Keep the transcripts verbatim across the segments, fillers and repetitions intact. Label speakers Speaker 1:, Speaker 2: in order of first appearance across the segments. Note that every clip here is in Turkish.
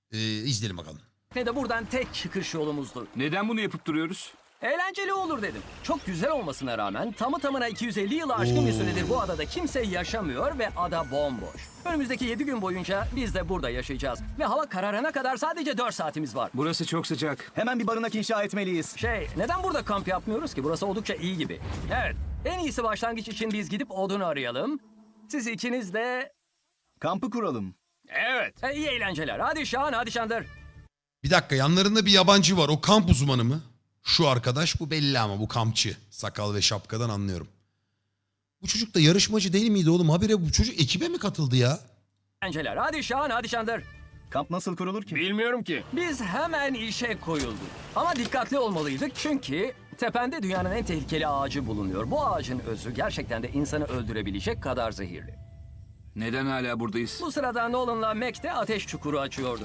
Speaker 1: Ee, izleyelim bakalım.
Speaker 2: ne de buradan tek çıkış yolumuzdu.
Speaker 3: Neden bunu yapıp duruyoruz?
Speaker 2: Eğlenceli olur dedim. Çok güzel olmasına rağmen tamı tamına iki yüz elli yılı aşkın bir
Speaker 1: Oo.
Speaker 2: süredir bu adada kimse yaşamıyor ve ada bomboş. Önümüzdeki yedi gün boyunca biz de burada yaşayacağız. Ve hava kararana kadar sadece dört saatimiz var.
Speaker 3: Burası çok sıcak.
Speaker 4: Hemen bir barınak inşa etmeliyiz.
Speaker 2: Şey, neden burada kamp yapmıyoruz ki? Burası oldukça iyi gibi. Evet, en iyisi başlangıç için biz gidip odun arayalım. Siz ikiniz de...
Speaker 4: Kampı kuralım.
Speaker 2: Evet, e, iyi eğlenceler. Hadi Şahan, hadi Şandır.
Speaker 1: Bir dakika, yanlarında bir yabancı var. O kamp uzmanı mı? Şu arkadaş, bu belli ama bu kampçı. Sakal ve şapkadan anlıyorum. Bu çocuk da yarışmacı değil miydi oğlum? Habire bu çocuk ekibe mi katıldı ya?
Speaker 2: Eğlenceler. Hadi Şahan, hadi Şandır.
Speaker 4: Kamp nasıl kurulur ki?
Speaker 5: Bilmiyorum ki.
Speaker 2: Biz hemen işe koyulduk. Ama dikkatli olmalıydık çünkü tepende dünyanın en tehlikeli ağacı bulunuyor. Bu ağacın özü gerçekten de insanı öldürebilecek kadar zehirli.
Speaker 3: Neden hala buradayız?
Speaker 2: Bu sırada Nolan'la Mac de ateş çukuru açıyordu.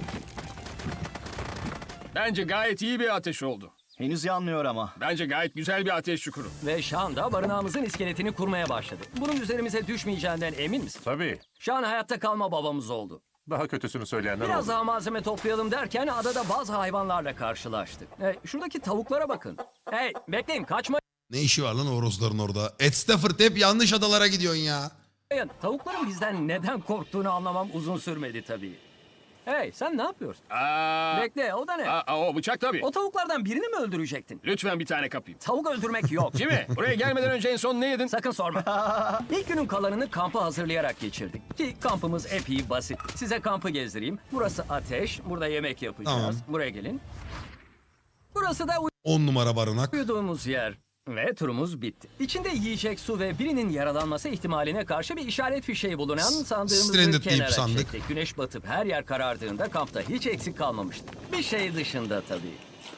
Speaker 5: Bence gayet iyi bir ateş oldu.
Speaker 4: Henüz yanmıyor ama.
Speaker 5: Bence gayet güzel bir ateş çukuru.
Speaker 2: Ve Şan da barınağımızın iskeletini kurmaya başladı. Bunun üzerimize düşmeyeceğinden emin misin?
Speaker 6: Tabii.
Speaker 2: Şan hayatta kalma babamız oldu.
Speaker 6: Daha kötüsünü söyleyenler
Speaker 2: Biraz
Speaker 6: oldu.
Speaker 2: daha malzeme toplayalım derken adada bazı hayvanlarla karşılaştık. Hey, şuradaki tavuklara bakın. Hey, bekleyin, kaçmayın.
Speaker 1: Ne işi var lan horozların orada? Ed Stafford, hep yanlış adalara gidiyorsun ya.
Speaker 2: Tavukların bizden neden korktuğunu anlamam uzun sürmedi tabii. Hey, sen ne yapıyorsun?
Speaker 5: Aa,
Speaker 2: Bekle, o da ne?
Speaker 5: aa, o bıçak tabii.
Speaker 2: O tavuklardan birini mi öldürecektin?
Speaker 5: Lütfen bir tane kapayım.
Speaker 2: Tavuk öldürmek yok.
Speaker 5: Jimmy, buraya gelmeden önce en son ne yedin?
Speaker 2: Sakın sorma. İlk günün kalanını kampı hazırlayarak geçirdik. Ki kampımız epey basit. Size kampı gezdireyim. Burası ateş. Burada yemek yapacağız.
Speaker 1: Tamam.
Speaker 2: Buraya gelin. Burası da
Speaker 1: On numara barınak.
Speaker 2: uyuduğumuz yer. Ve turumuz bitti. İçinde yiyecek, su ve birinin yaralanması ihtimaline karşı bir işaret fişeği bulunan sandığımızı
Speaker 1: Stranded deyip
Speaker 2: kenara
Speaker 1: sandık.
Speaker 2: çektik. Güneş batıp her yer karardığında kampta hiç eksik kalmamıştı. Bir şey dışında tabii.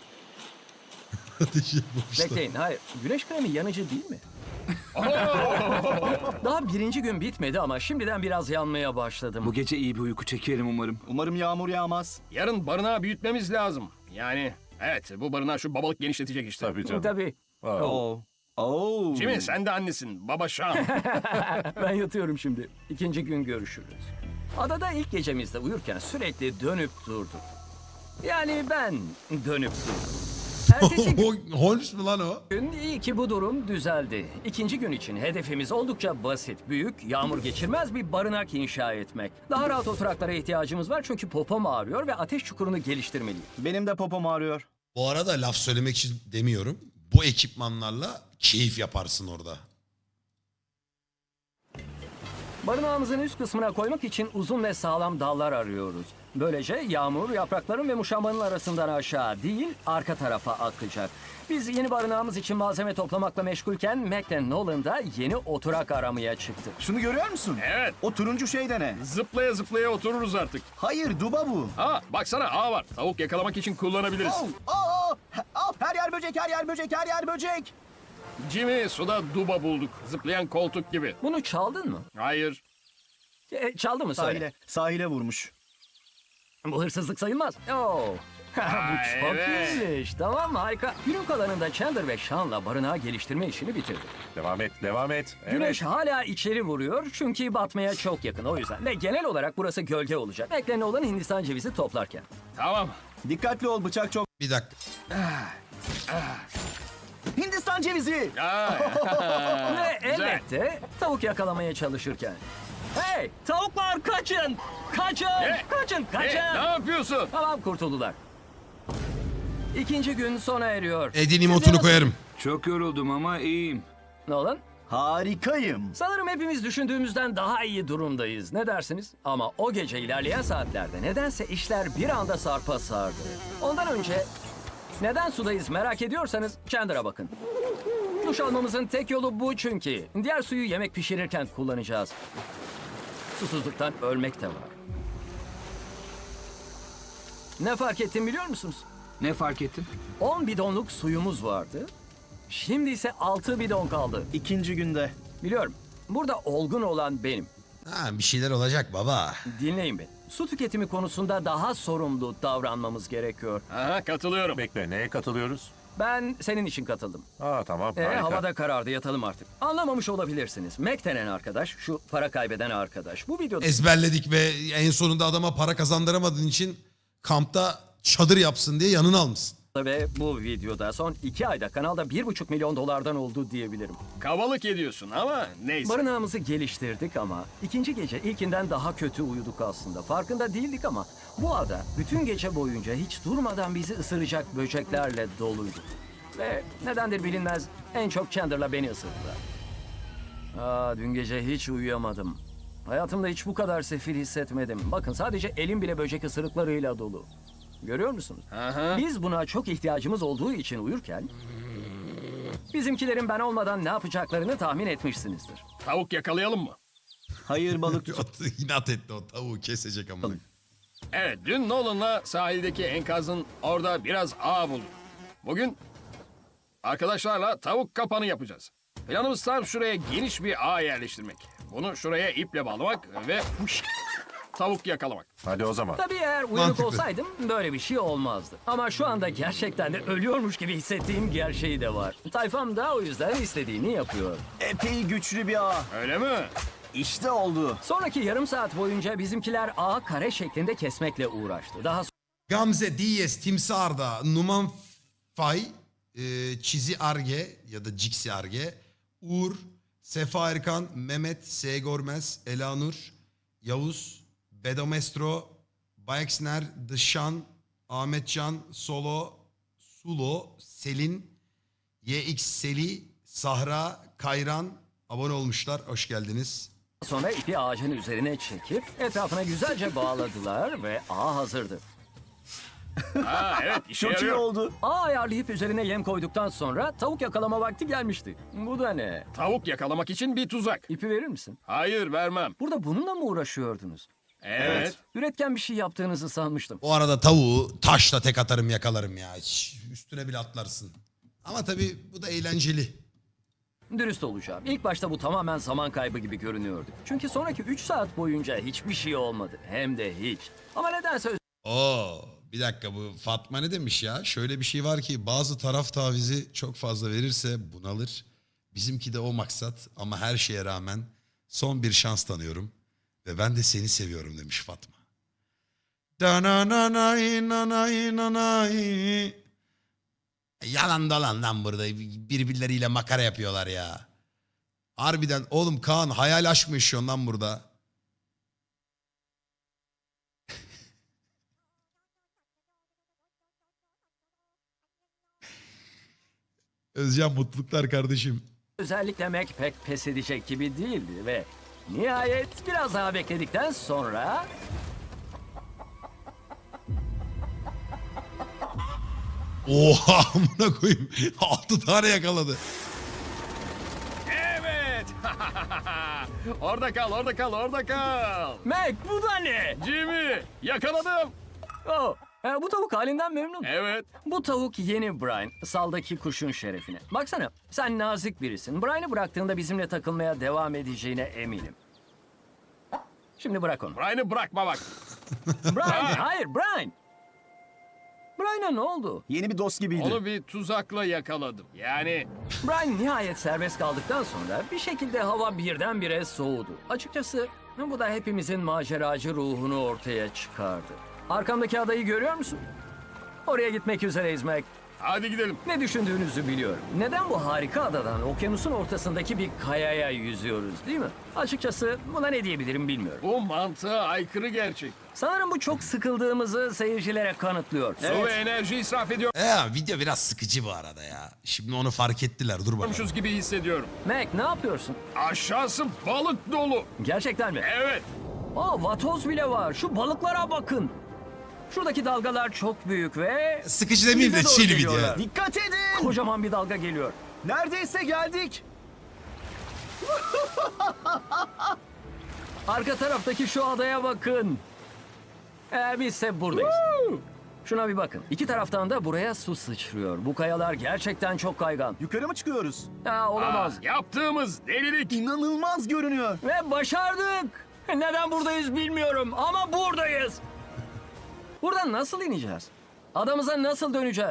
Speaker 2: Bekleyin, hayır. Güneş kremi yanıcı değil mi? Daha birinci gün bitmedi ama şimdiden biraz yanmaya başladım.
Speaker 3: Bu gece iyi bir uyku çekerim umarım.
Speaker 4: Umarım yağmur yağmaz.
Speaker 5: Yarın barınağı büyütmemiz lazım. Yani evet, bu barınağı şu babalık genişletecek işte.
Speaker 6: Tabii canım.
Speaker 2: Tabii.
Speaker 6: Aa,
Speaker 4: Oo. Oo.
Speaker 5: Jimmy, sen de annesin. Baba Şan.
Speaker 2: Ben yatıyorum şimdi. İkinci gün görüşürüz. Adada ilk gecemizde uyurken sürekli dönüp durduk. Yani ben dönüp durdum. Ertesi
Speaker 1: Holmes mu lan o?
Speaker 2: gün iyi ki bu durum düzeldi. İkinci gün için hedefimiz oldukça basit. Büyük, yağmur geçirmez bir barınak inşa etmek. Daha rahat oturaklara ihtiyacımız var çünkü popom ağrıyor ve ateş çukurunu geliştirmeliyim.
Speaker 4: Benim de popom ağrıyor.
Speaker 1: Bu arada laf söylemek için demiyorum. Bu ekipmanlarla keyif yaparsın orada.
Speaker 2: Barınağımızın üst kısmına koymak için uzun ve sağlam dallar arıyoruz. Böylece yağmur yaprakların ve muşambanın arasından aşağı değil, arka tarafa akacak. Biz yeni barınağımız için malzeme toplamakla meşgulken Mac ve Nolan da yeni oturak aramaya çıktı.
Speaker 4: Şunu görüyor musun?
Speaker 5: Evet,
Speaker 4: O turuncu şey de ne?
Speaker 5: zıplaya zıplaya otururuz artık.
Speaker 4: Hayır, duba bu.
Speaker 5: Aa, baksana ağ var. Tavuk yakalamak için kullanabiliriz.
Speaker 4: Oh, oh, oh. Oh, her yer böcek, her yer böcek, her yer böcek.
Speaker 5: Jimmy, suda duba bulduk. Zıplayan koltuk gibi.
Speaker 2: Bunu çaldın mı?
Speaker 5: Hayır.
Speaker 2: E, çaldı mı söyle?
Speaker 4: Sahile, sahile vurmuş.
Speaker 2: Bu hırsızlık sayılmaz. Oo. Bu
Speaker 5: Ay,
Speaker 2: çok
Speaker 5: evet.
Speaker 2: iyiymiş. Tamam mı? Harika. Günün kalanında Chandler ve Sean'la barınağı geliştirme işini bitirdik.
Speaker 6: Devam et, devam et. Evet.
Speaker 2: Güneş hala içeri vuruyor çünkü batmaya çok yakın o yüzden. Ve genel olarak burası gölge olacak. Beklenen olan Hindistan cevizi toplarken.
Speaker 5: Tamam.
Speaker 4: Dikkatli ol, bıçak çok.
Speaker 1: Bir dakika.
Speaker 4: Hindistan cevizi.
Speaker 5: Aa,
Speaker 2: Ve
Speaker 5: güzel.
Speaker 2: elbette tavuk yakalamaya çalışırken. Hey tavuklar kaçın! Kaçın!
Speaker 5: Ne?
Speaker 2: Kaçın!
Speaker 5: E,
Speaker 2: Kaçın!
Speaker 5: ne yapıyorsun?
Speaker 2: Tamam kurtuldular. İkinci gün sona eriyor.
Speaker 1: Edin
Speaker 2: Sizce
Speaker 1: emotunu
Speaker 2: nasıl?
Speaker 1: koyarım.
Speaker 3: Çok yoruldum ama iyiyim.
Speaker 2: Nolan?
Speaker 4: Harikayım.
Speaker 2: Sanırım hepimiz düşündüğümüzden daha iyi durumdayız. Ne dersiniz? Ama o gece ilerleyen saatlerde nedense işler bir anda sarpa sardı. Ondan önce neden sudayız merak ediyorsanız Chandler'a bakın. Duş almamızın tek yolu bu çünkü. Diğer suyu yemek pişirirken kullanacağız. Susuzluktan ölmek de var. Ne fark ettim biliyor musunuz?
Speaker 3: Ne fark ettin?
Speaker 2: on bidonluk suyumuz vardı. Şimdi ise altı bidon kaldı.
Speaker 4: İkinci günde.
Speaker 2: Biliyorum. Burada olgun olan benim.
Speaker 1: Ha, bir şeyler olacak baba.
Speaker 2: Dinleyin beni. Su tüketimi konusunda daha sorumlu davranmamız gerekiyor.
Speaker 5: Aha, katılıyorum.
Speaker 6: Bekle, neye katılıyoruz?
Speaker 2: Ben senin için katıldım.
Speaker 6: Aa tamam,
Speaker 2: Ee,
Speaker 6: harika.
Speaker 2: havada karardı yatalım artık. Anlamamış olabilirsiniz. Mac denen arkadaş, şu para kaybeden arkadaş. Bu videoda
Speaker 1: Ezberledik ve en sonunda adama para kazandıramadığın için kampta çadır yapsın diye yanına almışsın.
Speaker 2: Ve bu videoda son iki ayda kanalda bir buçuk milyon dolardan oldu diyebilirim.
Speaker 5: Kabalık ediyorsun ama neyse.
Speaker 2: Barınağımızı geliştirdik ama ikinci gece ilkinden daha kötü uyuduk aslında. Farkında değildik ama bu ada bütün gece boyunca hiç durmadan bizi ısıracak böceklerle doluydu. Ve nedendir bilinmez en çok Chandler'la beni ısırdılar. Aa, dün gece hiç uyuyamadım. Hayatımda hiç bu kadar sefil hissetmedim. Bakın sadece elim bile böcek ısırıklarıyla dolu. Görüyor musunuz?
Speaker 5: Aha.
Speaker 2: Biz buna çok ihtiyacımız olduğu için uyurken bizimkilerin ben olmadan ne yapacaklarını tahmin etmişsinizdir.
Speaker 5: Tavuk yakalayalım mı?
Speaker 4: Hayır balık
Speaker 1: İnat etti o tavuğu kesecek ama.
Speaker 5: Evet, dün Nolan'la sahildeki enkazın orada biraz ağ bulduk. Bugün arkadaşlarla tavuk kapanı yapacağız. Planımız tam şuraya geniş bir ağ yerleştirmek. Bunu şuraya iple bağlamak ve tavuk yakalamak.
Speaker 6: Hadi o zaman.
Speaker 2: Tabii eğer uyanık
Speaker 1: Mantıklı.
Speaker 2: olsaydım böyle bir şey olmazdı. Ama şu anda gerçekten de ölüyormuş gibi hissettiğim gerçeği de var. Tayfam da o yüzden istediğini yapıyor.
Speaker 4: epey güçlü bir ağ.
Speaker 5: Öyle mi?
Speaker 4: İşte oldu.
Speaker 2: Sonraki yarım saat boyunca bizimkiler ağı kare şeklinde kesmekle uğraştı. Daha
Speaker 1: Gamze, Diyes, Timsarda, Numan Fay, e, Çizi Arge ya da Ciksi Arge, Uğur, Sefa Erkan, Mehmet, S. Gormez, Elanur, Yavuz, Bedomestro, Bayexner, Dışan, Ahmetcan, Solo, Sulo, Selin, Y X Seli, Sahra, Kayran abone olmuşlar. Hoş geldiniz.
Speaker 2: sonra ipi ağacın üzerine çekip etrafına güzelce bağladılar ve ağ hazırdı.
Speaker 5: Ha evet, işe
Speaker 4: Çok iyi
Speaker 5: yarıyor.
Speaker 4: oldu.
Speaker 2: Ağ ayarlayıp üzerine yem koyduktan sonra tavuk yakalama vakti gelmişti. Bu da ne?
Speaker 5: Tavuk yakalamak için bir tuzak.
Speaker 2: İpi verir misin?
Speaker 5: Hayır, vermem.
Speaker 2: Burada bununla mı uğraşıyordunuz?
Speaker 5: Evet.
Speaker 2: Üretken bir şey yaptığınızı sanmıştım.
Speaker 1: O arada tavuğu taşla tek atarım yakalarım ya. Hiç üstüne bile atlarsın. Ama tabii bu da eğlenceli.
Speaker 2: Dürüst olacağım. İlk başta bu tamamen zaman kaybı gibi görünüyordu. Çünkü sonraki üç saat boyunca hiçbir şey olmadı. Hem de hiç. Ama nedense
Speaker 1: Oo, bir dakika, bu Fatma ne demiş ya? Şöyle bir şey var ki bazı taraf tavizi çok fazla verirse bunalır. Bizimki de o maksat ama her şeye rağmen son bir şans tanıyorum. Ve ben de seni seviyorum demiş Fatma. Dananay nanay nanay. Yalan dolan lan burada. Birbirleriyle makara yapıyorlar ya. Harbiden oğlum Kaan hayal aşk mı yaşıyorsun lan burada? Özcan mutluluklar kardeşim.
Speaker 2: özellikle Mac pek pes edecek gibi değildi ve nihayet biraz daha bekledikten sonra
Speaker 1: Oha amına koyayım. Altı tane yakaladı.
Speaker 5: Evet. Orada kal, orada kal, orada kal.
Speaker 2: Mac bu da ne?
Speaker 5: Jimmy, yakaladım.
Speaker 2: Oh, e, bu tavuk halinden memnun.
Speaker 5: Evet.
Speaker 2: Bu tavuk yeni Brian, saldaki kuşun şerefine. Baksana, sen nazik birisin. Brian'ı bıraktığında bizimle takılmaya devam edeceğine eminim. Şimdi bırak onu.
Speaker 5: Brian'ı bırakma bak.
Speaker 2: Brian, hayır Brian. Brian'a ne oldu?
Speaker 4: Yeni bir dost gibiydi.
Speaker 5: Onu bir tuzakla yakaladım. Yani
Speaker 2: Brian nihayet serbest kaldıktan sonra bir şekilde hava birdenbire soğudu. Açıkçası bu da hepimizin maceracı ruhunu ortaya çıkardı. Arkamdaki adayı görüyor musun? Oraya gitmek üzereyiz Mac.
Speaker 5: hadi gidelim.
Speaker 2: Ne düşündüğünüzü biliyorum. Neden bu harika adadan okyanusun ortasındaki bir kayaya yüzüyoruz değil mi? Açıkçası buna ne diyebilirim bilmiyorum.
Speaker 5: Bu mantığa aykırı gerçek.
Speaker 2: Sanırım bu çok sıkıldığımızı seyircilere kanıtlıyor.
Speaker 5: Su ve enerji israf
Speaker 1: Ya video biraz sıkıcı bu arada ya. Şimdi onu fark ettiler. Dur bakalım.
Speaker 5: ediyormuşuz gibi hissediyorum.
Speaker 2: Mac ne yapıyorsun?
Speaker 5: Aşağısı balık dolu.
Speaker 2: Gerçekten mi?
Speaker 5: Evet.
Speaker 2: Aa, vatoz bile var. Şu balıklara bakın. Şuradaki dalgalar çok büyük ve...
Speaker 1: Sıkıcı demeyeyim de
Speaker 2: bize doğru
Speaker 1: chill video.
Speaker 2: geliyorlar.
Speaker 4: Dikkat edin.
Speaker 2: Kocaman bir dalga geliyor.
Speaker 4: Neredeyse geldik.
Speaker 2: Arka taraftaki şu adaya bakın. Ee, bizse buradayız. Şuna bir bakın. İki taraftan da buraya su sıçrıyor. Bu kayalar gerçekten çok kaygan.
Speaker 4: Yukarı mı çıkıyoruz?
Speaker 2: Ha, olamaz.
Speaker 5: Aa, yaptığımız delilik.
Speaker 4: İnanılmaz görünüyor.
Speaker 2: Ve başardık. Neden buradayız bilmiyorum ama buradayız. Buradan nasıl ineceğiz? Adamıza nasıl döneceğiz?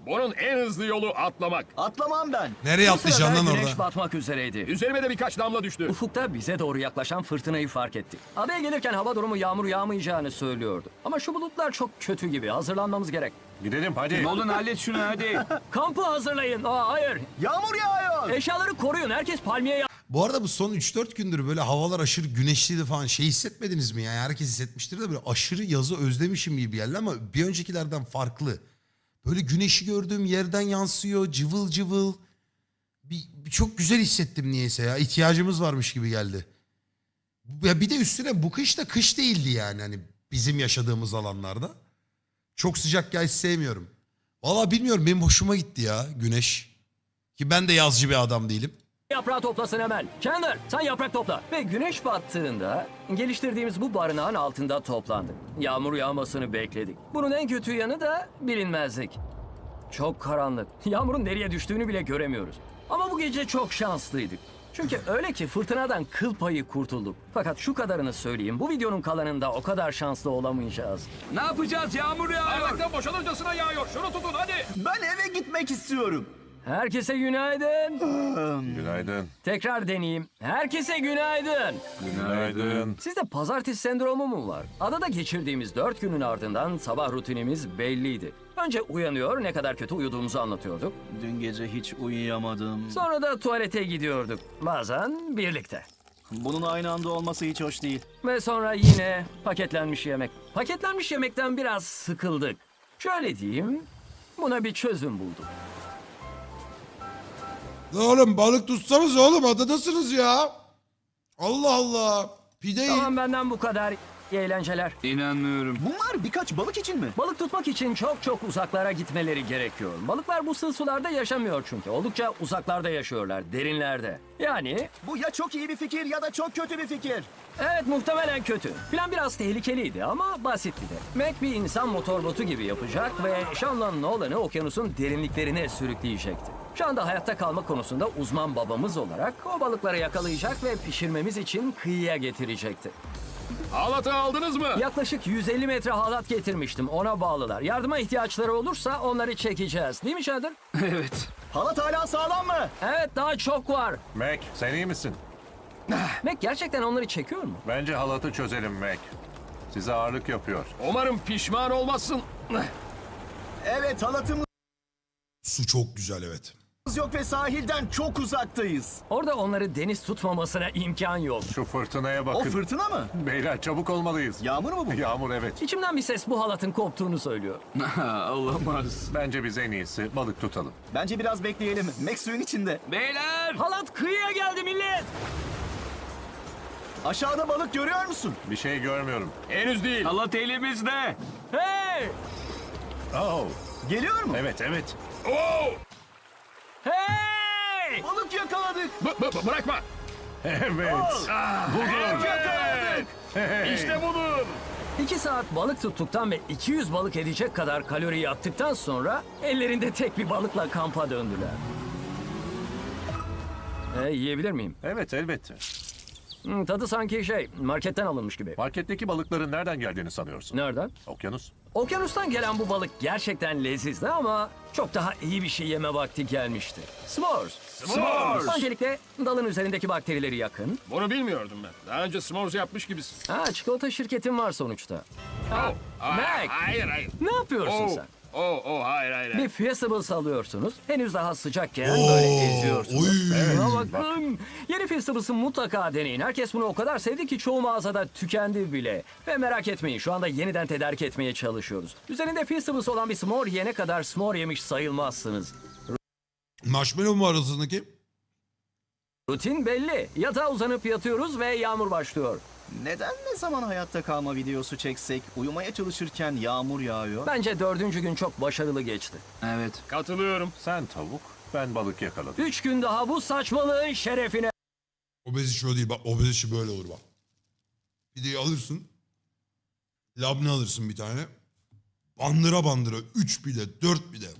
Speaker 5: Bunun en hızlı yolu atlamak.
Speaker 4: Atlamam ben.
Speaker 1: Nereye
Speaker 2: Bu
Speaker 1: atlayacaksın
Speaker 2: sırada
Speaker 1: lan
Speaker 2: güneş
Speaker 1: orada?
Speaker 2: batmak üzereydi.
Speaker 5: Üzerime de birkaç damla düştü.
Speaker 2: Ufukta bize doğru yaklaşan fırtınayı fark ettik. Adaya gelirken hava durumu yağmur yağmayacağını söylüyordu. Ama şu bulutlar çok kötü gibi. Hazırlanmamız gerek.
Speaker 6: Gidelim hadi.
Speaker 3: Nolan hallet şunu hadi.
Speaker 2: Kampı hazırlayın. Aa, hayır.
Speaker 4: Yağmur yağıyor.
Speaker 2: Eşyaları koruyun. Herkes palmiye
Speaker 1: Bu arada bu son üç dört gündür böyle havalar aşırı güneşliydi falan. Şey hissetmediniz mi? Yani herkes hissetmiştir de böyle aşırı yazı özlemişim gibi geldi ama bir öncekilerden farklı. Böyle güneşi gördüğüm yerden yansıyor cıvıl cıvıl. Bir, bir çok güzel hissettim niyeyse ya. İhtiyacımız varmış gibi geldi. Ya bir de üstüne bu kış da kış değildi yani hani bizim yaşadığımız alanlarda. Çok sıcak yağış sevmiyorum. Valla bilmiyorum benim hoşuma gitti ya güneş. Ki ben de yazcı bir adam değilim.
Speaker 2: yaprağı toplasın hemen. Chandler sen yaprak topla. Ve güneş battığında geliştirdiğimiz bu barınağın altında toplandık. Yağmur yağmasını bekledik. Bunun en kötü yanı da bilinmezlik. Çok karanlık. Yağmurun nereye düştüğünü bile göremiyoruz. Ama bu gece çok şanslıydık. Çünkü öyle ki fırtınadan kıl payı kurtulduk. Fakat şu kadarını söyleyeyim. Bu videonun kalanında o kadar şanslı olamayacağız.
Speaker 3: Ne yapacağız? Yağmur yağıyor.
Speaker 5: Bardaktan boşalırcasına yağıyor. Şunu tutun hadi.
Speaker 4: Ben eve gitmek istiyorum.
Speaker 2: Herkese günaydın.
Speaker 6: Günaydın.
Speaker 2: Tekrar deneyeyim. Herkese günaydın.
Speaker 6: Günaydın.
Speaker 2: Sizde pazartesi sendromu mu var? Adada geçirdiğimiz dört günün ardından sabah rutinimiz belliydi. Önce uyanıyor, ne kadar kötü uyuduğumuzu anlatıyorduk.
Speaker 7: Dün gece hiç uyuyamadım.
Speaker 2: Sonra da tuvalete gidiyorduk. Bazen birlikte.
Speaker 7: Bunun aynı anda olması hiç hoş değil.
Speaker 2: Ve sonra yine paketlenmiş yemek. Paketlenmiş yemekten biraz sıkıldık. Şöyle diyeyim, buna bir çözüm bulduk.
Speaker 1: Oğlum balık tutsanız oğlum adadasınız ya. Allah Allah. Pide
Speaker 2: Tamam benden bu kadar. İyi eğlenceler.
Speaker 3: İnanmıyorum.
Speaker 4: Bunlar birkaç balık için mi?
Speaker 2: Balık tutmak için çok çok uzaklara gitmeleri gerekiyor. Balıklar bu sığ sularda yaşamıyor çünkü. Oldukça uzaklarda yaşıyorlar, derinlerde. Yani
Speaker 4: Bu ya çok iyi bir fikir ya da çok kötü bir fikir.
Speaker 2: evet muhtemelen kötü. Plan biraz tehlikeliydi ama basitti de. Mac bir insan motorbotu gibi yapacak ve Sean'la Nolan'ı okyanusun derinliklerine sürükleyecekti. Şu anda hayatta kalma konusunda uzman babamız olarak o balıkları yakalayacak ve pişirmemiz için kıyıya getirecekti.
Speaker 5: Halatı aldınız mı?
Speaker 2: Yaklaşık yüz elli metre halat getirmiştim. Ona bağlılar. Yardıma ihtiyaçları olursa onları çekeceğiz. Değil mi Shadow?
Speaker 3: Evet.
Speaker 4: Halat hala sağlam mı?
Speaker 2: Evet daha çok var.
Speaker 6: Mac sen iyi misin?
Speaker 2: Mac gerçekten onları çekiyor mu?
Speaker 6: Bence halatı çözelim Mac. Size ağırlık yapıyor.
Speaker 5: Umarım pişman olmazsın.
Speaker 4: Evet, halatımız
Speaker 1: Su çok güzel evet.
Speaker 4: yok ve sahilden çok uzaktayız.
Speaker 2: Orada onları deniz tutmamasına imkan yok.
Speaker 6: Şu fırtınaya
Speaker 4: O
Speaker 6: bakın.
Speaker 4: fırtına mı?
Speaker 6: Beyler çabuk olmalıyız.
Speaker 4: Yağmur mu bu?
Speaker 6: Yağmur evet.
Speaker 2: İçimden bir ses bu halatın koptuğunu söylüyor.
Speaker 3: Olamaz.
Speaker 6: Bence biz en iyisi balık tutalım.
Speaker 4: Bence biraz bekleyelim. Max suyun içinde.
Speaker 3: Beyler.
Speaker 2: Halat kıyıya geldi millet.
Speaker 4: Aşağıda balık görüyor musun?
Speaker 6: Bir şey görmüyorum.
Speaker 5: Henüz değil.
Speaker 3: Halat elimizde.
Speaker 2: Hey!
Speaker 6: Oh,
Speaker 4: Geliyor mu?
Speaker 6: evet evet.
Speaker 5: Oo!
Speaker 2: Hey!
Speaker 4: Balık yakaladık.
Speaker 5: B- b- bırakma.
Speaker 6: Evet.
Speaker 5: Budur.
Speaker 4: Yakaladık.
Speaker 5: İşte budur.
Speaker 2: İki saat balık tuttuktan ve iki yüz balık edecek kadar kalori yaktıktan sonra ellerinde tek bir balıkla kampa döndüler. E, yiyebilir miyim?
Speaker 6: Evet elbette.
Speaker 2: Hmm, tadı sanki şey marketten alınmış gibi.
Speaker 6: Marketteki balıkların nereden geldiğini sanıyorsun?
Speaker 2: Nereden?
Speaker 6: Okyanus.
Speaker 2: Okyanustan gelen bu balık gerçekten lezizdi ama çok daha iyi bir şey yeme vakti gelmişti. S'mores.
Speaker 5: S'mores.
Speaker 2: Öncelikle dalın üzerindeki bakterileri yakın.
Speaker 5: Bunu bilmiyordum ben. Daha önce s'mores yapmış gibisin.
Speaker 2: Ha, çikolata şirketin var sonuçta. Ha,
Speaker 5: Aa,
Speaker 2: Mac,
Speaker 5: Hayır hayır.
Speaker 2: ne yapıyorsun
Speaker 5: Oh,
Speaker 2: sen?
Speaker 5: oh, oh, hayır hayır. hayır.
Speaker 2: Bir Feastables alıyorsunuz. Henüz daha sıcakken böyle eziyorsunuz.
Speaker 1: oy.
Speaker 2: Buna bakın. Yeni Feastables'ı mutlaka deneyin. Herkes bunu o kadar sevdi ki çoğu mağazada tükendi bile. Ve merak etmeyin şu anda yeniden tedarik etmeye çalışıyoruz. Üzerinde Feastables olan bir s'more yene kadar s'more yemiş sayılmazsınız.
Speaker 1: Marshmallow mu arasındaki?
Speaker 2: Rutin belli. Yatağa uzanıp yatıyoruz ve yağmur başlıyor.
Speaker 7: Neden ne zaman hayatta kalma videosu çeksek uyumaya çalışırken yağmur yağıyor?
Speaker 2: Bence dördüncü gün çok başarılı geçti.
Speaker 3: Evet.
Speaker 5: Katılıyorum.
Speaker 6: Sen tavuk, ben balık yakaladım.
Speaker 2: Üç gün daha bu saçmalığın şerefine.
Speaker 1: Obez işi o değil bak obez işi böyle olur bak. Pideyi alırsın. Labne alırsın bir tane. Bandıra bandıra. Üç pide, dört pide.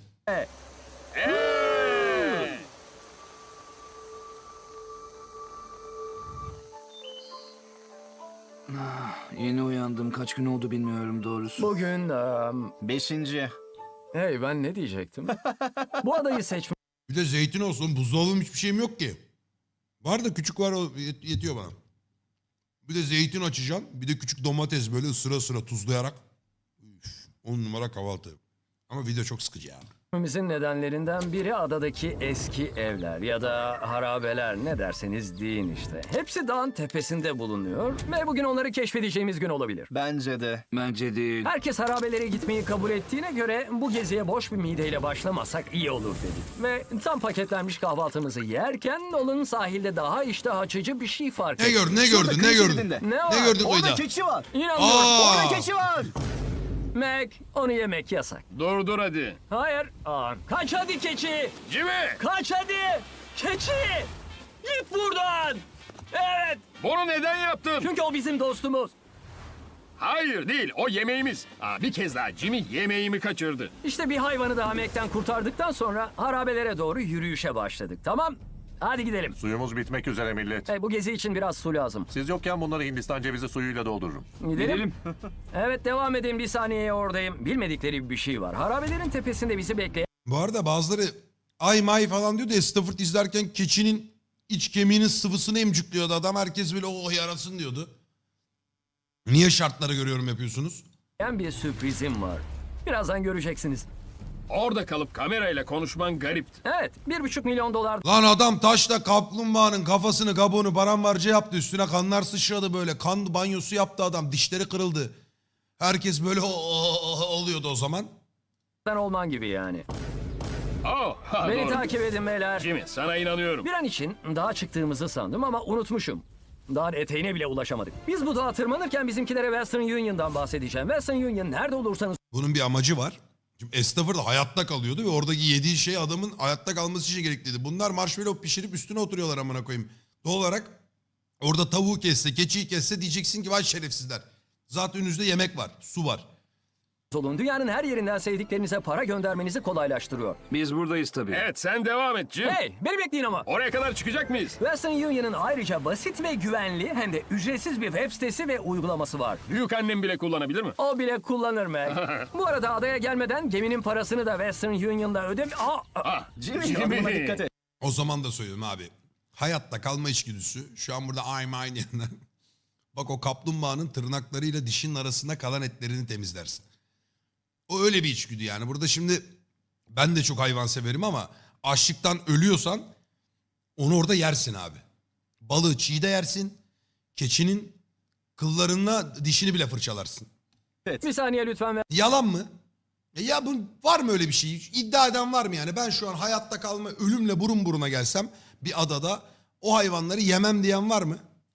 Speaker 3: Yeni uyandım. Kaç gün oldu bilmiyorum doğrusu.
Speaker 2: Bugün eee,
Speaker 7: Beşinci.
Speaker 2: Hey ben ne diyecektim? Bu adayı seçmek
Speaker 1: Bir de zeytin olsun. Buzdolabım hiçbir şeyim yok ki. Var da küçük var o yet- yetiyor bana. Bir de zeytin açacağım. Bir de küçük domates böyle ısıra ısıra tuzlayarak. Üf, on numara kahvaltı. Ama video çok sıkıcı ya.
Speaker 2: Mizin nedenlerinden biri adadaki eski evler ya da harabeler ne derseniz deyin işte. Hepsi dağın tepesinde bulunuyor ve bugün onları keşfedeceğimiz gün olabilir.
Speaker 7: Bence de.
Speaker 3: Bence değil.
Speaker 2: Herkes harabelere gitmeyi kabul ettiğine göre bu geziye boş bir mideyle başlamasak iyi olur dedik. Ve tam paketlenmiş kahvaltımızı yerken Nolan sahilde daha iştah açıcı bir şey fark
Speaker 1: Ne
Speaker 2: etti.
Speaker 1: gördün ne
Speaker 7: Şurada
Speaker 1: gördün ne
Speaker 7: kıyı
Speaker 1: gördün?
Speaker 7: şeridinde.
Speaker 2: Ne var?
Speaker 1: Ne gördün
Speaker 7: Orada
Speaker 1: oyda?
Speaker 7: keçi var.
Speaker 2: İnanmıyorum.
Speaker 1: Aa!
Speaker 7: Orada keçi var.
Speaker 2: Mac, onu yemek yasak.
Speaker 5: Dur dur hadi.
Speaker 2: Hayır. Aa, kaç hadi keçi.
Speaker 5: Jimmy!
Speaker 2: Kaç hadi. Keçi. Git buradan. Evet.
Speaker 5: Bunu neden yaptın?
Speaker 2: Çünkü o bizim dostumuz.
Speaker 5: Hayır değil, o yemeğimiz. Aa, bir kez daha Jimmy yemeğimi kaçırdı.
Speaker 2: İşte bir hayvanı daha Mac'ten kurtardıktan sonra harabelere doğru yürüyüşe başladık. Tamam. Hadi gidelim.
Speaker 6: Suyumuz bitmek üzere millet.
Speaker 2: Hey, bu gezi için biraz su lazım.
Speaker 6: Siz yokken bunları Hindistan cevizi suyuyla doldururum.
Speaker 2: Gidelim.
Speaker 3: Gidelim.
Speaker 2: Evet devam edin bir saniyeye oradayım. Bilmedikleri bir şey var. Harabelerin tepesinde bizi bekleyen
Speaker 1: Bu arada bazıları ay may falan diyor da Stafford izlerken keçinin iç kemiğinin sıvısını emcikliyordu adam. Herkes böyle oh yarasın diyordu. Niye şartları görüyorum yapıyorsunuz?
Speaker 2: bir sürprizim var. Birazdan göreceksiniz.
Speaker 5: Orada kalıp kamerayla konuşman garipti.
Speaker 2: Evet, bir buçuk milyon dolar
Speaker 1: Lan adam taşla kaplumbağanın kafasını kabuğunu paramparça yaptı. Üstüne kanlar sıçradı böyle. Kan banyosu yaptı adam. Dişleri kırıldı. Herkes böyle "Oh, oh, oh" oluyordu o zaman.
Speaker 2: olman gibi yani.
Speaker 5: Oh, ha,
Speaker 2: Beni
Speaker 5: doğru.
Speaker 2: takip edin beyler.
Speaker 5: Jimmy, sana inanıyorum.
Speaker 2: Bir an için dağa çıktığımızı sandım ama unutmuşum. Dağın eteğine bile ulaşamadık. Biz bu dağa tırmanırken bizimkilere Western Union'dan bahsedeceğim. Western Union nerede olursanız
Speaker 1: Bunun bir amacı var. Şimdi Stafford hayatta kalıyordu ve oradaki yediği şey adamın hayatta kalması için gerekliydi. Bunlar marshmallow pişirip üstüne oturuyorlar amına koyayım. Doğal olarak orada tavuğu kesse, keçiyi kesse diyeceksin ki vay şerefsizler. Zaten önünüzde yemek var, su var.
Speaker 2: olun. Dünyanın her yerinden sevdiklerinize para göndermenizi kolaylaştırıyor.
Speaker 3: Biz buradayız tabii.
Speaker 5: Evet, sen devam et Jim.
Speaker 2: Hey, beni bekleyin ama.
Speaker 5: Oraya kadar çıkacak mıyız?
Speaker 2: Western Union'ın ayrıca basit ve güvenli hem de ücretsiz bir web sitesi ve uygulaması var.
Speaker 5: Büyük annem bile kullanabilir mi?
Speaker 2: O bile kullanır Mac. Bu arada adaya gelmeden geminin parasını da Western Union'da ödem... Aa, aa.
Speaker 5: Ah,
Speaker 7: Jimmy, adımına dikkat et.
Speaker 1: O zaman da söylüyorum abi. Hayatta kalma içgüdüsü. Şu an burada I'm aynı yandan. Bak o kaplumbağanın tırnaklarıyla dişinin arasında kalan etlerini temizlersin. O öyle bir içgüdü yani. Burada şimdi ben de çok hayvan severim ama açlıktan ölüyorsan onu orada yersin abi. Balığı çiğ de yersin. Keçinin kıllarına dişini bile fırçalarsın.
Speaker 2: Bir saniye lütfen.
Speaker 1: Yalan mı? E ya bu var mı öyle bir şey? İddia eden var mı yani? Ben şu an hayatta kalma ölümle burun buruna gelsem bir adada o hayvanları yemem diyen var mı?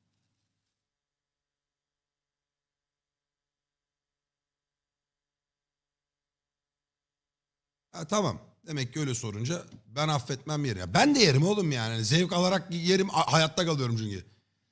Speaker 1: Ha, tamam. Demek ki öyle sorunca ben affetmem yerim. Ya ben de yerim oğlum yani. Zevk alarak yerim. Ha- Hayatta kalıyorum çünkü.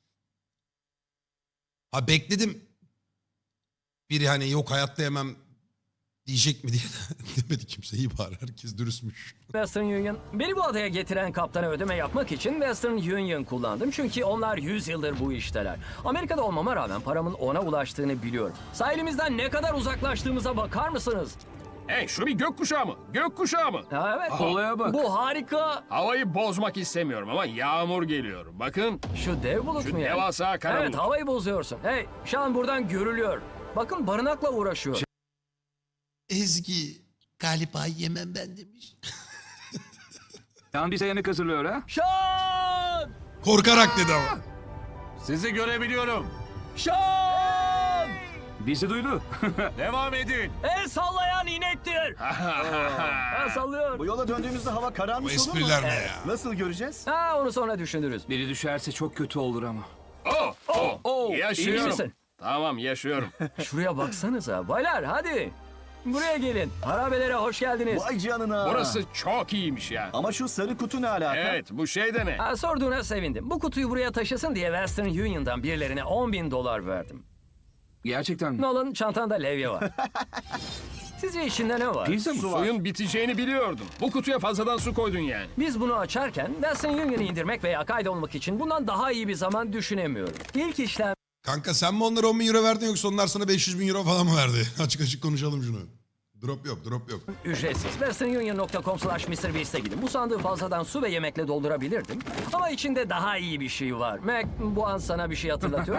Speaker 1: Ha bekledim. Biri hani yok hayatta yemem diyecek mi diye demedi kimse. İyi bari herkes dürüstmüş.
Speaker 2: Western Union. Beni bu adaya getiren kaptana ödeme yapmak için Western Union kullandım. Çünkü onlar yüz yıldır bu işteler. Amerika'da olmama rağmen paramın ona ulaştığını biliyorum. Sahilimizden ne kadar uzaklaştığımıza bakar mısınız?
Speaker 5: Hey, şu bir gökkuşağı mı? Gökkuşağı mı?
Speaker 2: Ha, evet.
Speaker 3: Olaya bak.
Speaker 2: Bu harika.
Speaker 5: Havayı bozmak istemiyorum ama yağmur geliyor. Bakın,
Speaker 2: Şu dev bulut
Speaker 5: şu
Speaker 2: mu yani?
Speaker 5: devasa kara
Speaker 2: Evet,
Speaker 5: bulut.
Speaker 2: havayı bozuyorsun. Hey, şu an buradan görülüyor. Bakın barınakla uğraşıyor.
Speaker 1: Ezgi galiba yemem ben demiş.
Speaker 3: Yan bize yemek hazırlıyor ha.
Speaker 2: Şan!
Speaker 1: Korkarak dedi ama.
Speaker 6: Sizi görebiliyorum.
Speaker 2: Şan!
Speaker 3: Bizi duydu.
Speaker 6: Devam edin.
Speaker 2: El sallayan inektir. Ha, sallıyor.
Speaker 7: Bu yola döndüğümüzde hava kararmış
Speaker 1: Bu
Speaker 7: olur mu?
Speaker 1: espriler ne ya?
Speaker 7: Nasıl göreceğiz?
Speaker 2: Ha, onu sonra düşünürüz.
Speaker 3: Biri düşerse çok kötü olur ama.
Speaker 5: Oh, oh,
Speaker 2: oh, iyi
Speaker 5: yaşıyorum.
Speaker 2: misin?
Speaker 5: Tamam, yaşıyorum.
Speaker 2: Şuraya baksanıza. Baylar hadi. Buraya gelin. Harabelere hoş geldiniz.
Speaker 7: Vay canına.
Speaker 5: Burası çok iyiymiş ya.
Speaker 7: Ama şu sarı kutu ne alaka?
Speaker 5: Evet, bu şey de ne?
Speaker 2: Ha, sorduğuna sevindim. Bu kutuyu buraya taşısın diye Western Union'dan birilerine on bin dolar verdim.
Speaker 3: Gerçekten mi?
Speaker 2: Nolan çantanda levye var. Sizce içinde ne var?
Speaker 3: Pizza mı?
Speaker 5: Suyun biteceğini biliyordum. Bu kutuya fazladan su koydun yani.
Speaker 2: Biz bunu açarken Western Union'ı indirmek veya kaydolmak için bundan daha iyi bir zaman düşünemiyorum. İlk işlem
Speaker 1: Kanka sen mi onlara on bin euro verdin yoksa onlar sana beş yüz bin euro falan mı verdi? Açık açık konuşalım şunu. Drop yok, drop yok.
Speaker 2: ücretsiz. western union nokta com slash mister beast'e gidin. Bu sandığı fazladan su ve yemekle doldurabilirdim. Ama içinde daha iyi bir şey var. Mac, bu an sana bir şey hatırlatıyor.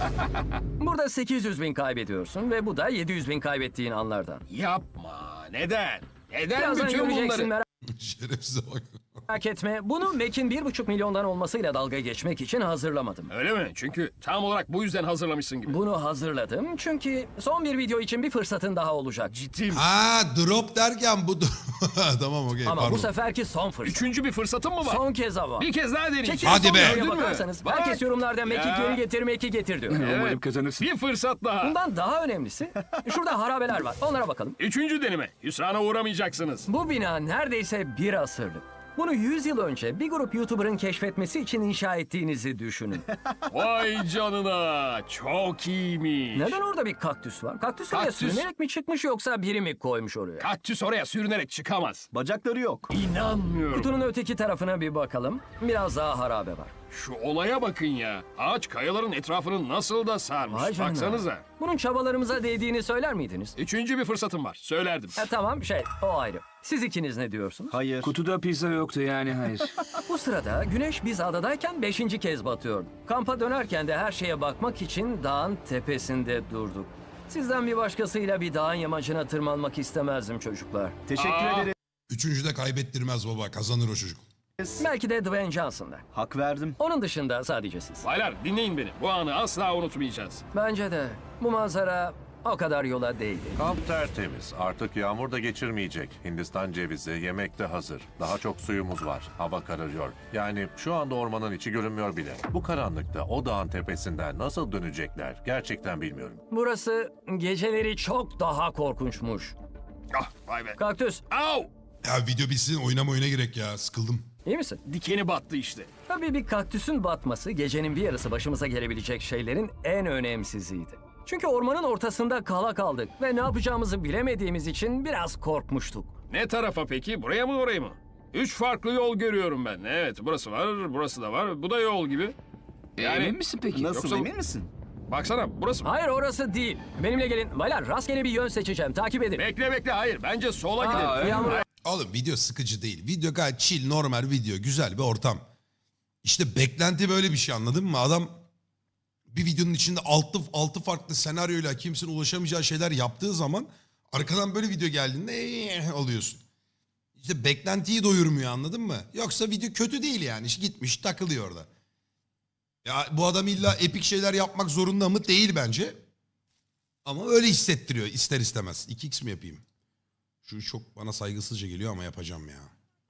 Speaker 2: Burada sekiz yüz bin kaybediyorsun ve bu da yedi yüz bin kaybettiğin anlardan.
Speaker 5: Yapma. Neden? Neden
Speaker 2: Birazdan
Speaker 5: bütün
Speaker 2: göreceksin,
Speaker 5: bunları?
Speaker 1: Şerefsize bak.
Speaker 2: merak etme. Bunu Mac'in bir buçuk milyondan olmasıyla dalga geçmek için hazırlamadım.
Speaker 5: Öyle mi? Çünkü tam olarak bu yüzden hazırlamışsın gibi.
Speaker 2: Bunu hazırladım çünkü son bir video için bir fırsatın daha olacak.
Speaker 5: Ciddi mi?
Speaker 1: Ha drop derken bu... tamam okey
Speaker 2: Ama
Speaker 1: pardon.
Speaker 2: bu seferki son fırsat.
Speaker 5: Üçüncü bir fırsatın mı var?
Speaker 2: Son kez ama.
Speaker 5: Bir kez daha deneyeceğim.
Speaker 2: Çekin
Speaker 1: Hadi
Speaker 2: son
Speaker 1: be.
Speaker 2: videoya
Speaker 5: Gördün mü?
Speaker 2: bakarsanız
Speaker 5: Bak.
Speaker 2: herkes yorumlarda Mac'i
Speaker 5: Ya.
Speaker 2: geri getir, Mac'i getir diyor.
Speaker 3: Umarım kazanırsın.
Speaker 5: Bir fırsat daha.
Speaker 2: Bundan daha önemlisi şurada harabeler var. Onlara bakalım.
Speaker 5: Üçüncü deneme. Hüsrana uğramayacaksınız.
Speaker 2: Bu bina neredeyse bir asırlık. Bunu yüz yıl önce bir grup YouTuber'ın keşfetmesi için inşa ettiğinizi düşünün.
Speaker 5: Vay canına. Çok iyiymiş.
Speaker 2: Neden orada bir kaktüs var? Kaktüs oraya
Speaker 5: Kaktüs.
Speaker 2: sürünerek mi çıkmış yoksa biri mi koymuş oraya?
Speaker 5: Kaktüs oraya sürünerek çıkamaz.
Speaker 7: Bacakları yok.
Speaker 5: İnanmıyorum.
Speaker 2: Kutunun öteki tarafına bir bakalım. Biraz daha harabe var.
Speaker 5: Şu olaya bakın ya. Ağaç kayaların etrafını nasıl da sarmış.
Speaker 2: Vay canına.
Speaker 5: Baksanıza.
Speaker 2: Bunun çabalarımıza değdiğini söyler miydiniz?
Speaker 5: Üçüncü bir fırsatım var. Söylerdim.
Speaker 2: E, tamam şey o ayrı. Siz ikiniz ne diyorsunuz?
Speaker 7: Hayır.
Speaker 3: Kutuda pizza yoktu yani hayır.
Speaker 2: Bu sırada güneş biz adadayken beşinci kez batıyordu. Kampa dönerken de her şeye bakmak için dağın tepesinde durduk. Sizden bir başkasıyla bir dağın yamacına tırmanmak istemezdim çocuklar.
Speaker 7: Teşekkür
Speaker 5: Aa.
Speaker 7: ederim.
Speaker 1: Üçüncüde kaybettirmez baba. Kazanır o çocuk.
Speaker 2: Belki de Dwayne Johnson'da.
Speaker 7: Hak verdim.
Speaker 2: Onun dışında sadece siz.
Speaker 5: Baylar dinleyin beni. Bu anı asla unutmayacağız.
Speaker 2: Bence de bu manzara o kadar yola değdi.
Speaker 6: Kamp tertemiz. Artık yağmur da geçirmeyecek. Hindistan cevizi, yemek de hazır. Daha çok suyumuz var. Hava kararıyor. Yani şu anda ormanın içi görünmüyor bile. Bu karanlıkta o dağın tepesinden nasıl dönecekler gerçekten bilmiyorum.
Speaker 2: Burası geceleri çok daha korkunçmuş.
Speaker 5: Ah vay be.
Speaker 2: Kaktüs,
Speaker 5: Au!
Speaker 1: Ya video bitsin oynama oyuna girek ya. Sıkıldım.
Speaker 2: iyi misin?
Speaker 5: Dikeni battı işte.
Speaker 2: Tabii bir kaktüsün batması gecenin bir yarısı başımıza gelebilecek şeylerin en önemsiziydi. Çünkü ormanın ortasında kala kaldık ve ne yapacağımızı bilemediğimiz için biraz korkmuştuk.
Speaker 5: Ne tarafa peki? Buraya mı oraya mı? Üç farklı yol görüyorum ben. Evet burası var, burası da var. Bu da yol gibi. Yani-
Speaker 3: Emin misin peki?
Speaker 7: Nasıl
Speaker 5: Yoksa-
Speaker 7: emin misin?
Speaker 5: Baksana burası mı?
Speaker 2: Hayır orası değil. Benimle gelin. Baylar rastgele bir yön seçeceğim. Takip edin.
Speaker 5: Bekle bekle hayır. Bence sola
Speaker 2: Aa,
Speaker 5: gidelim.
Speaker 2: yağmur-
Speaker 1: Oğlum video sıkıcı değil. Video gayet chill, normal video. Güzel bir ortam. İşte beklenti böyle bir şey, anladın mı? Adam bir videonun içinde altı, altı farklı senaryoyla kimsenin ulaşamayacağı şeyler yaptığı zaman arkadan böyle video geldiğinde "Eee" oluyorsun. İşte beklentiyi doyurmuyor, anladın mı? Yoksa video kötü değil yani. İşte gitmiş takılıyor orada. Ya bu adam illa epik şeyler yapmak zorunda mı? Değil bence. Ama öyle hissettiriyor ister istemez. iki x mi yapayım? Şu çok bana saygısızca geliyor ama yapacağım ya.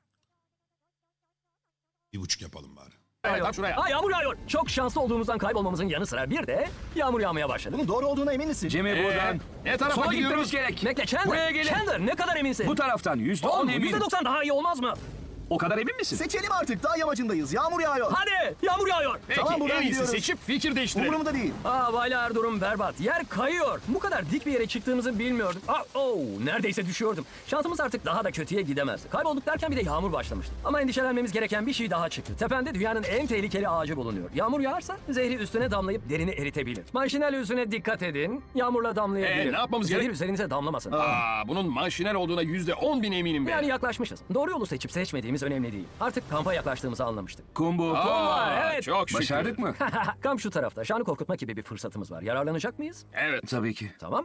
Speaker 1: Bir buçuk yapalım bari.
Speaker 5: Evet, tam şuraya.
Speaker 2: Aa, yağmur yağıyor. Çok şanslı olduğumuzdan kaybolmamızın yanı sıra bir de yağmur yağmaya başladı.
Speaker 7: Bunun doğru olduğuna emin misin?
Speaker 3: Jimmy
Speaker 5: Ee,
Speaker 3: buradan.
Speaker 5: ne tarafa
Speaker 3: Sola
Speaker 5: gidiyoruz?
Speaker 3: gitmemiz gerek.
Speaker 2: Bekle Chandler.
Speaker 3: Buraya gelin.
Speaker 2: Chandler ne kadar eminsin?
Speaker 3: Bu taraftan yüzde on
Speaker 2: Oğlum,
Speaker 3: emin.
Speaker 2: yüzde doksan daha iyi olmaz mı?
Speaker 3: O kadar emin misin?
Speaker 7: Seçelim artık. Dağ yamacındayız. Yağmur yağıyor.
Speaker 2: Hadi yağmur yağıyor.
Speaker 5: Peki
Speaker 7: Tamam, buradan
Speaker 5: en iyisi
Speaker 7: gidiyoruz.
Speaker 5: seçip fikir değiştirelim.
Speaker 7: Umurumda değil.
Speaker 2: Aa baylar durum berbat. Yer kayıyor. Bu kadar dik bir yere çıktığımızı bilmiyordum. Aa, oh, neredeyse düşüyordum. Şansımız artık daha da kötüye gidemezdi. Kaybolduk derken bir de yağmur başlamıştı. Ama endişelenmemiz gereken bir şey daha çıktı. Tepende dünyanın en tehlikeli ağacı bulunuyor. Yağmur yağarsa zehri üstüne damlayıp derini eritebilir. Manşinel yüzüne dikkat edin. Yağmurla damlayabilir.
Speaker 5: Ee, ne yapmamız
Speaker 2: Zehir
Speaker 5: gerek?
Speaker 2: üzerinize damlamasın.
Speaker 5: Aa, bunun manşiner olduğuna yüzde on bin eminim ben.
Speaker 2: Yani yaklaşmışız. Doğru yolu seçip seçmediğimiz önemli değil. Artık kampa yaklaştığımızı anlamıştık.
Speaker 3: Combo.
Speaker 5: Aa,
Speaker 2: evet.
Speaker 5: Çok şükür.
Speaker 3: Başardık mı?
Speaker 2: Kamp şu tarafta. Şanı korkutma gibi bir fırsatımız var. Yararlanacak mıyız?
Speaker 5: Evet.
Speaker 3: Tabii ki.
Speaker 2: Tamam.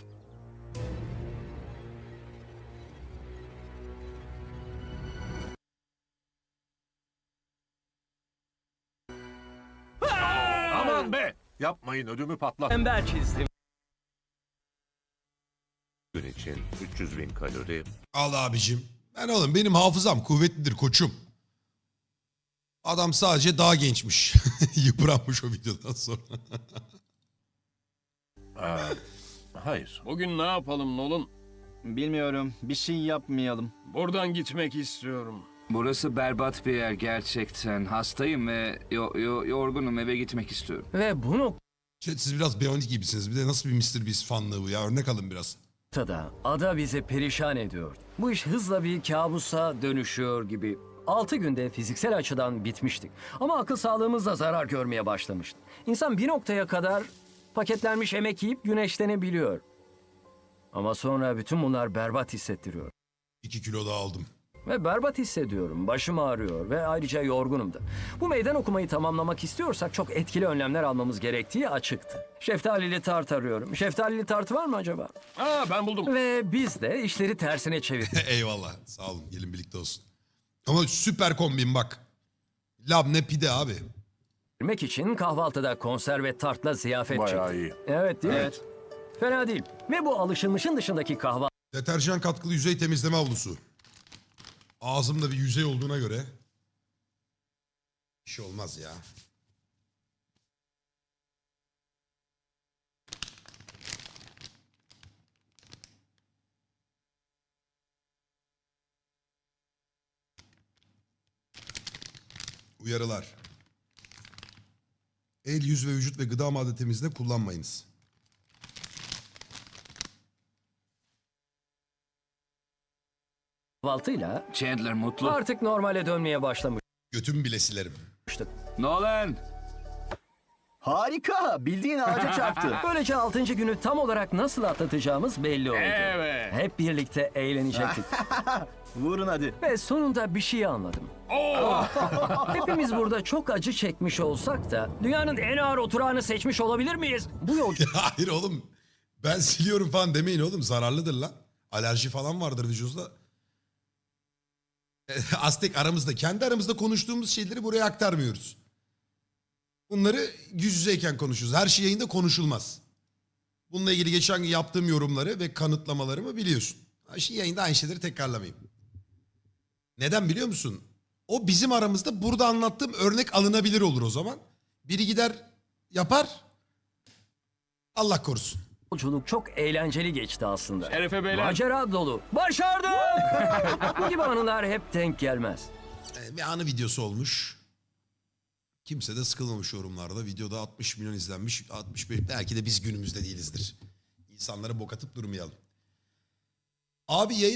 Speaker 5: Aman be.
Speaker 6: Yapmayın ödümü patlat.
Speaker 2: Ember çizdim.
Speaker 6: Gün için üç yüz bin kalori.
Speaker 1: Al abicim. Ben oğlum benim hafızam kuvvetlidir koçum. Adam sadece daha gençmiş. Yıpranmış o videodan sonra.
Speaker 6: Aa, hayır.
Speaker 5: Bugün ne yapalım Nolan?
Speaker 7: Bilmiyorum. Bir şey yapmayalım.
Speaker 5: Buradan gitmek istiyorum.
Speaker 3: Burası berbat bir yer gerçekten. Hastayım ve yo- yo- yorgunum, eve gitmek istiyorum.
Speaker 2: Ve bu
Speaker 1: Chat, siz biraz Beyond gibisiniz. Bir de nasıl bir mister Beast fanlığı bu ya? Örnek alın biraz.
Speaker 2: noktada ada bizi perişan ediyor. Bu iş hızla bir kabusa dönüşüyor gibi. Altı günde fiziksel açıdan bitmiştik. Ama akıl sağlığımız da zarar görmeye başlamıştı. İnsan bir noktaya kadar paketlenmiş emek yiyip güneşlenebiliyor. Ama sonra bütün bunlar berbat hissettiriyor.
Speaker 1: iki kilo daha aldım.
Speaker 2: Ve berbat hissediyorum. Başım ağrıyor ve ayrıca yorgunum da. Bu meydan okumayı tamamlamak istiyorsak çok etkili önlemler almamız gerektiği açıktı. Şeftalili tart arıyorum. Şeftalili tart var mı acaba?
Speaker 5: Aa ben buldum.
Speaker 2: Ve biz de işleri tersine çevirdik.
Speaker 1: Eyvallah. Sağ olun. Gelin birlikte olsun. Ama süper kombin bak. Labne pide abi.
Speaker 2: Yemek için kahvaltıda konserve tartla ziyafet
Speaker 6: Bayağı
Speaker 2: çektik.
Speaker 6: iyi.
Speaker 2: Evet değil mi?
Speaker 7: Evet.
Speaker 2: Fena değil. Ve bu alışılmışın dışındaki kahvaltı
Speaker 1: Deterjan katkılı yüzey temizleme havlusu. Ağzımda bir yüzey olduğuna göre bir şey olmaz ya. Uyarılar. El, yüz ve vücut ve gıda madde temizliğinde kullanmayınız.
Speaker 2: kahvaltıyla
Speaker 3: Chandler mutlu.
Speaker 2: artık normale dönmeye başlamıştık.
Speaker 1: Götümü bile silerim.
Speaker 3: Nolan.
Speaker 7: Harika. Bildiğin ağaca çarptı.
Speaker 2: Böylece altıncı günü tam olarak nasıl atlatacağımız belli oldu.
Speaker 5: Evet.
Speaker 2: Hep birlikte eğlenecektik.
Speaker 7: Vurun hadi.
Speaker 2: Ve sonunda bir şey anladım. Hepimiz burada çok acı çekmiş olsak da dünyanın en ağır oturağını seçmiş olabilir miyiz? Bu yolculuk
Speaker 1: Hayır oğlum. Ben siliyorum falan demeyin oğlum. Zararlıdır lan. Alerji falan vardır vücudunda. Aztek aramızda, kendi aramızda konuştuğumuz şeyleri buraya aktarmıyoruz. Bunları yüz yüzeyken konuşuruz. Her şey yayında konuşulmaz. Bununla ilgili geçen gün yaptığım yorumları ve kanıtlamalarımı biliyorsun. Şimdi yayında aynı şeyleri tekrarlamayayım. Neden biliyor musun? O bizim aramızda burada anlattığım örnek alınabilir olur o zaman. Biri gider yapar. Allah korusun.
Speaker 2: çok eğlenceli geçti aslında.
Speaker 5: Şerefe beyler.
Speaker 2: Macera dolu. Başardım! Bu gibi anılar hep denk gelmez.
Speaker 1: Ee, Bir anı videosu olmuş. Kimse de sıkılmamış yorumlarda. Videoda altmış milyon izlenmiş. altmış beş belki de biz günümüzde değilizdir. İnsanlara bok atıp durmayalım. Abi yayın